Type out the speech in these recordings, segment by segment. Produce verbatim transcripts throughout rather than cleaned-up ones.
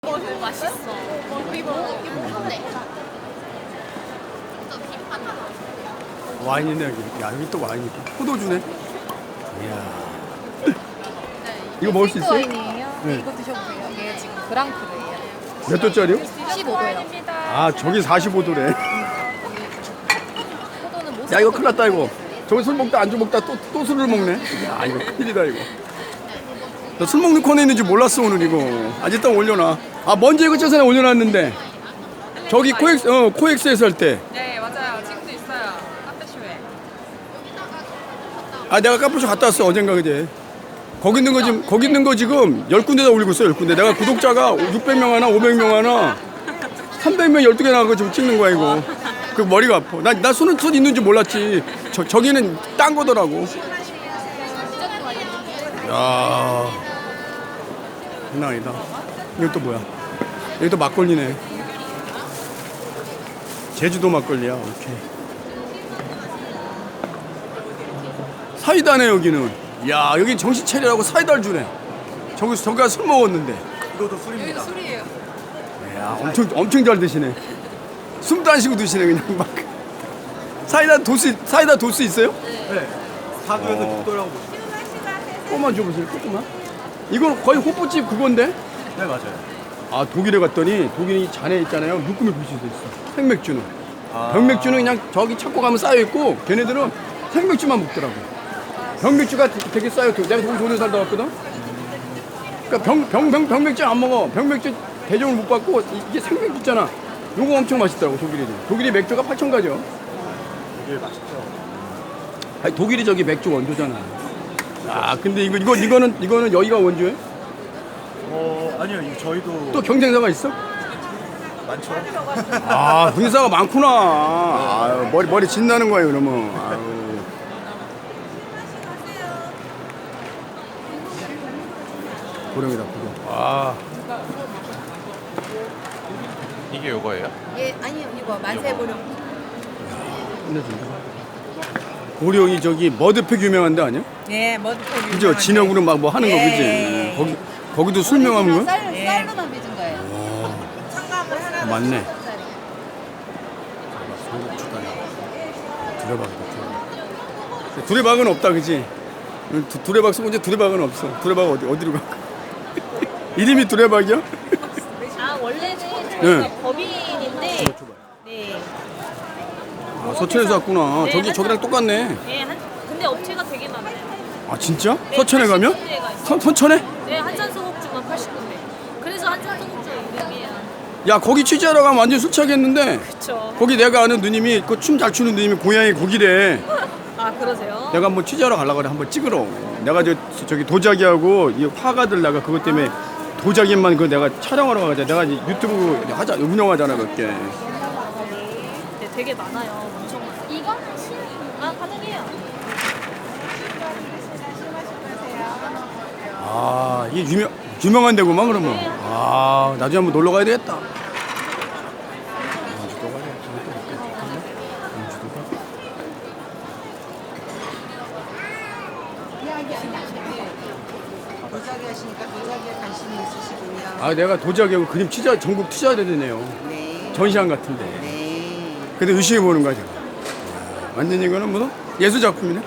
어, 맛있어. 이거 뭔데? 와인이네 여기. 야 여기 또 와인이 있다. 포도주네. 이야. 이거 먹을 수 있어요? 와인이에요? 네. 이거 드셔보세요. 얘 지금 그랑크르예요. 몇 도짜리요? 십오 도요. 아 저기 사십오 도래. 포도는 못 야 이거 큰일 났다 이거. 저기 술 먹다 안주 먹다 또, 또 술을 먹네. 야 이거 큰일이다 이거. 나 술 먹는 코너에 있는지 몰랐어 오늘 이거. 아직 일단 올려놔. 아 먼저 이거 저번에 올려놨는데 저기 코엑스 어 코엑스에서 할 때. 네 맞아요. 지금도 있어요. 카페쇼에. 아 내가 카푸쇼 갔다 왔어 어젠가 그제. 거기 있는 거 지금 거기 있는 거 지금 열 군데다 올리고 있어 열 군데. 내가 구독자가 육백 명 하나 오백 명 하나 삼백 명 열두 개 나가고 지금 찍는 거야 이거. 그 머리가 아파. 나 나 손은 손 있는 줄 몰랐지. 저 저기는 딴 거더라고. 야. 장난 아니다. 이거 또 뭐야? 여기 또 막걸리네. 제주도 막걸리야. 오케이. 사이다네 여기는. 야 여기 정신 차리라고 사이다를 주네. 저기서 저기가 술 먹었는데. 이것도 여기도 술이에요. 야 엄청 엄청 잘 드시네. 숨도 안 쉬고 드시네 그냥 막. 사이다 도수 사이다 도수 있어요? 네. 사주에서 어. 육도라고 보시면. 조금만 줘보세요. 조금만. 이건 거의 호프집 그건데. 네 맞아요. 아 독일에 갔더니 독일이 잔에 있잖아요. 묶음이 불 수도 있어. 생맥주는. 아. 병맥주는 그냥 저기 찾고 가면 쌓여 있고 걔네들은 생맥주만 먹더라고. 병맥주가 되게 쌓여. 내가 거기 돈을 살다 왔거든. 그러니까 병, 병, 병, 병맥주 안 먹어. 병맥주 대접을 못 받고 이- 이게 생맥주 있잖아. 요거 엄청 맛있더라고 독일이. 독일이 맥주가 팔천 가죠. 되게 맛있죠. 아니 독일이 저기 맥주 원조잖아. 아 근데 이거 이거 이거는 이거는 여기가 원조예요? 어 아니요 이거 저희도 또 경쟁사가 있어? 많죠. 아 분사가 많구나. 아유, 머리 머리 진나는 거예요 그러면. 아유. 고령이다 고령. 아 이게 요거예요? 예, 아니요. 이거 만세보령. 끝내준다. 고령이 저기 머드팩 유명한 데 아니야? 네 머드팩. 그죠? 진영으로 막 뭐 하는 거 그지? 거기 거기도 술 명함인 거야? 쌀, 쌀로만 빚은 거예요. 아, 맞네. 두레박이다. 두레박. 두레박은 없다, 그지? 두, 두레박 쓰고 이제 두레박은 없어. 두레박 어디 어디로 가? 이름이 두레박이야? 아 원래는 네. 저희가 법인인데 네. 아, 서천에서 왔구나. 네, 저기 한 저기랑 사- 똑같네. 네, 한, 근데 업체가 되게 많아요. 아 진짜? 네, 서천에 가면? 팔십 군데가 있어요. 선 서천에? 네, 한산소곡주만 팔십 군데. 그래서 한산소곡주 이름이에요. 야 거기 취재하러 가면 완전 술 취하겠는데. 그쵸. 거기 내가 아는 누님이 그 춤 잘 추는 누님이 고향이 거기래. 아 그러세요? 내가 한번 취재하러 가려고 그래. 한번 찍으러. 내가 저 저기 도자기하고 이 화가들 내가 그것 때문에 도자기만 그 내가 촬영하러 가자. 내가 이제 유튜브 하자 운영하잖아 몇 개. 네, 되게 많아요. 엄청 많아요. 이거? 아 가능해요. 아 이게 유명 유명한 데구만 그러면. 아 나중에 한번 놀러 가야 되겠다. 도자기 하시니까 도자기에 관심이 있으시군요. 아 내가 도자기하고 그림 취재 전국 투자해야 되네요. 네. 전시관 같은데. 네. 근데 의식해 보는 거죠. 완전 이거는 뭐 예술 작품이네.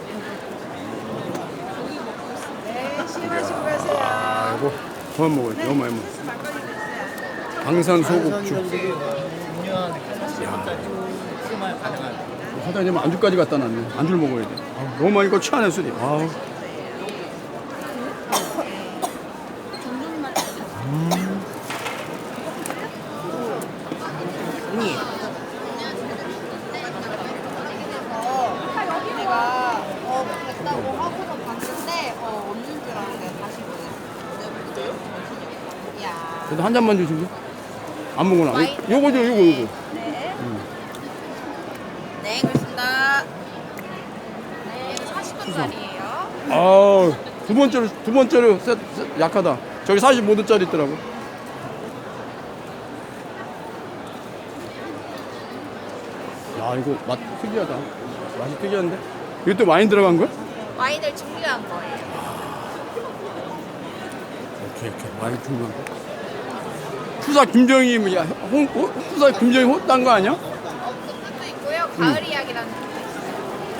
네, 시음하시고 가세요. 아이고 그만 먹어야 돼. 너무 많이 먹어. 방산 소곡주. 야. 사장님 안주까지 갖다 놨네. 안주를 먹어야 돼. 아우, 너무 많이 거 취하네 술이. 아우. 내가 어, 됐다고 하고서 봤는데 어, 없는 줄 알았는데 다시 보냈어요. 야. 그래도 한 잔만 주시죠. 안 먹으나. 와인. 요거죠, 요거, 요거. 네. 네, 그렇습니다. 네, 사십 분짜리예요. 아, 두 번째로, 두 번째로 세, 세, 약하다. 저기 사십오 도짜리 있더라고. 야, 이거 맛 특이하다. 맛이 특이한데? 이거 또 와인 들어간 거야? 와인을 준비한 거예요. 오케이, 오케이. 와인 중요한 거. 후사 김정희 뭐야 홍, 호, 후사 김정희 호딴 거 아니야? 어, 그것도 있고요. 가을 이야기라는 것도 있어요.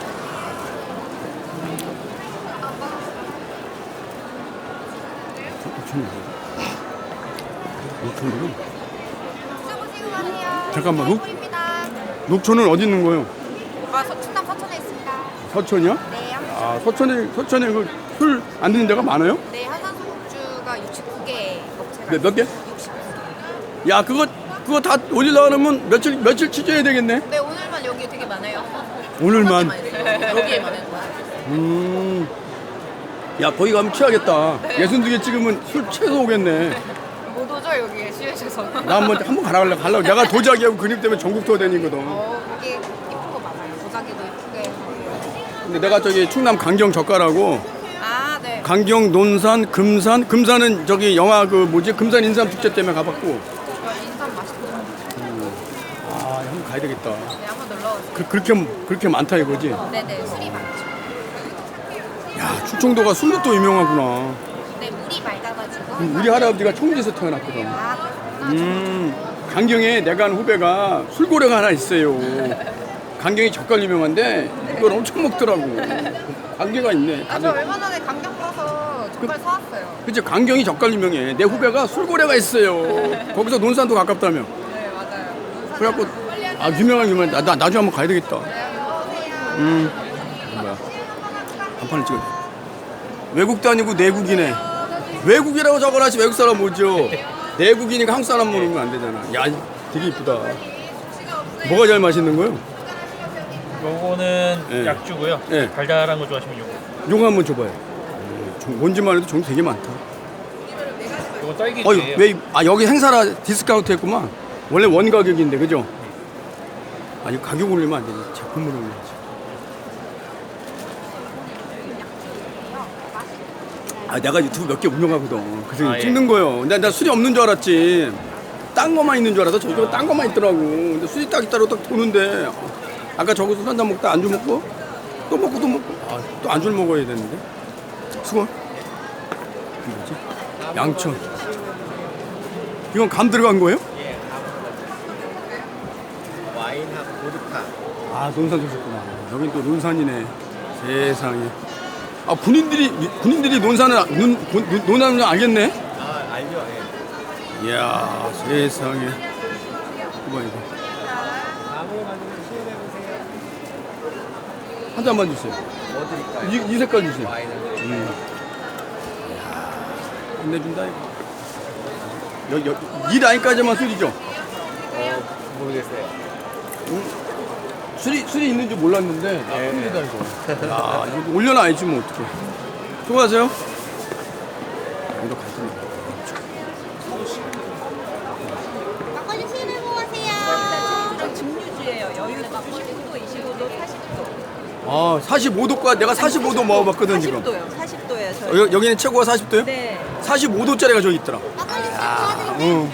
녹초는 수고수고 하세요. 잠깐만, 녹- 입니다. 녹초는 어디 있는 거예요? 아, 서, 충남 서천에 있습니다. 서천이요? 네, 한- 아 서천에 서천에 그 술 안 드는 데가 많아요? 네, 한산소 맥주가 육십구 개 업체가 몇, 몇 개? 육십구 개. 야 그거 그거 다 올리려고 하면 며칠 며칠 취재해야 되겠네. 네, 오늘만 여기 되게 많아요. 오늘만. 여기에만 해도. 음. 야 거기 가면 취하겠다. 예순 두 개 찍으면 술 취해서 오겠네. 못 오죠, 여기에 취해셔서. 나 한번 한번 가라 갈래 갈라. 내가 도자기하고 그림 때문에 전국 투어 다니거든. 어, 여기 이쁜 거 많아요. 도자기도 이쁘게 해서. 근데 내가 저기 충남 강경 젓가라고 아, 네. 강경 논산 금산 금산은 저기 영화 그 뭐지 금산 인삼 축제 때문에 가봤고. 인삼 맛있죠. 아 한번 가야 되겠다. 네, 한번 놀러 오세요. 그, 그렇게 그렇게 많다 이거지. 네네, 술이 많죠. 야 충청도가 술로 또 유명하구나. 네, 물이 맑아가지고. 음, 우리 할아버지가 청주에서 태어났거든. 아, 그렇구나. 음, 강경에 내가 아는 후배가 술고래가 하나 있어요. 강경이 젓갈 유명한데 이걸 엄청 먹더라고. 관계가 있네. 아, 저 얼마 전에 강경 가서 젓갈 사왔어요. 그치 강경이 젓갈 유명해. 내 후배가 술고래가 있어요. 거기서 논산도 가깝다며. 네, 맞아요. 그래갖고 아 유명한 유명. 나, 나 나중에 한번 가야 되겠다. 음, 뭐야? 간판을 찍어. 외국도 아니고 내국이네. 외국이라고 적어놔지 외국 사람 뭐죠? 내국이니까 한국 사람 모르면 안 되잖아. 야, 되게 이쁘다. 뭐가 제일 맛있는 거요? 요거는 네. 약주고요. 네. 달달한 거 좋아하시면 요거. 요거 한번 줘봐요. 어, 종- 뭔지만 해도 종류 되게 많다. 요거 딸기 어이, 주예요. 왜, 아, 여기 행사라 디스카운트 했구만. 원래 원 가격인데, 그죠? 아니, 가격 올리면 안 되지. 제품을 올려야지. 아, 내가 유튜브 몇 개 운영하거든. 그래서 아, 예. 찍는 거예요. 근데 나 술이 없는 줄 알았지. 딴 거만 있는 줄 알아서 저기가 딴 거만 있더라고. 근데 술이 딱 있다고 딱 도는데. 아까 저기서 한잔 먹다 안주 먹고, 또 먹고 또 먹고. 아, 또 안주를 먹어야 되는데. 수고. 이게 뭐지? 양천. 이건 감 들어간 거예요? 와인하고 보드카. 아, 논산 오셨구나. 여긴 또 논산이네. 세상에. 아, 군인들이, 군인들이 논산을, 논, 논, 논산을 알겠네? 아 알죠. 예. 이야, 세상에. 이거, 이거. 다음에 가지고 시연해 보세요. 한 잔만 주세요. 뭐 드릴까요? 이, 이 색깔 주세요. 와인을. 음. 이야, 끝내준다, 이거. 여, 여, 이 라인까지만 술이죠? 어 모르겠어요. 술이, 술이 있는 줄 몰랐는데, 아, 예. 큰일이다, 이거. 야, 이거 올려놔야지, 뭐, 어떡해. 수고하세요. 이거 갈등. 막걸리 시음해 보세요. 증류주예요. 여유 십구 도, 이십오 도, 사십 도. 아, 사십오 도까지 내가 사십오 도 먹어봤거든, 지금. 사십 도요. 사십 도예요. 저희. 어, 여, 여기는 최고가 사십 도요? 네. 사십오 도짜리가 저기 있더라. 아, 응.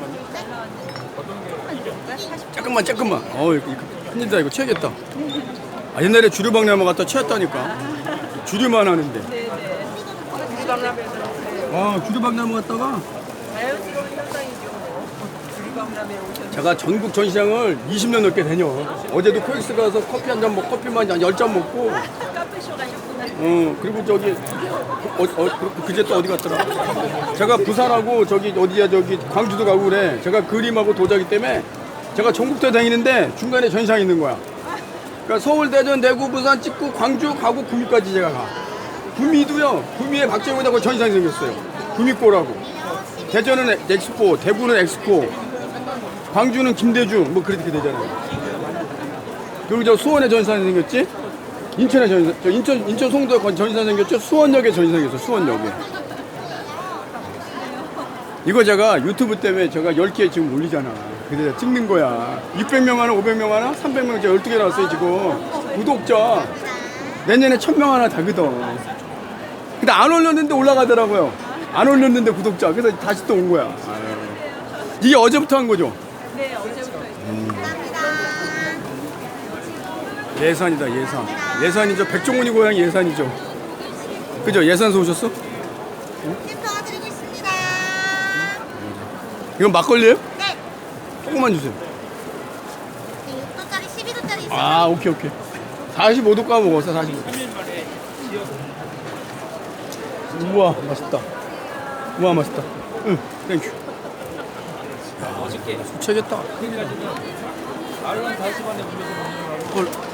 잠깐만, 잠깐만. 어, 이거, 이거 큰일이다. 이거 취하겠다. 아, 옛날에 주류박람회 갔다 취했다니까. 주류만 하는데. 네네. 아, 주류박람회 갔다가 자연스러운 현상이죠. 주류박람회 오셨는데. 제가 전국 전시장을 이십 년 넘게 다녀. 어제도 코엑스 가서 커피 한 잔 먹고, 커피만 한 열 잔 먹고. 카페쇼 가셨구나. 어, 그리고 저기, 어, 어, 그제 또 어디 갔더라? 제가 부산하고 저기 어디야, 저기 광주도 가고 그래. 제가 그림하고 도자기 때문에 제가 전국대 다니는데 중간에 전시장 있는 거야. 그러니까 서울, 대전, 대구, 부산 찍고 광주 가고 구미까지 제가 가. 구미도요, 구미에 박재훈하고 전시장이 생겼어요. 구미꼬라고. 대전은 엑스포, 대구는 엑스포, 광주는 김대중, 뭐 그렇게 되잖아요. 그리고 저 수원에 전시장이 생겼지? 인천에 전시장, 저 인천, 인천 송도에 건- 전시장 생겼죠? 수원역에 전시장 생겼어, 수원역에. 이거 제가 유튜브 때문에 제가 열 개 지금 올리잖아. 그래서 찍는 거야. 육백 명 하나, 오백 명 하나, 삼백 명, 제가 열두 개 나왔어요, 지금. 구독자. 내년에 천 명 하나 다거든. 근데 안 올렸는데 올라가더라고요. 안 올렸는데 구독자. 그래서 다시 또 온 거야. 아유. 이게 어제부터 한 거죠? 네, 어제부터 있어요. 예산이다, 예산. 예산이죠. 백종원이 고향 예산이죠. 그죠? 예산서 오셨어? 햄버거 드리고 있습니다. 이건 막걸리예요? 네. 조금만 주세요. 육 도짜리, 십이 도짜리 있어요. 아, 오케이, 오케이. 사십오 도 까 먹었어, 사십오 도. 우와, 맛있다. 우와, 맛있다. 응, 땡큐. 야, 술 취하겠다. 헐.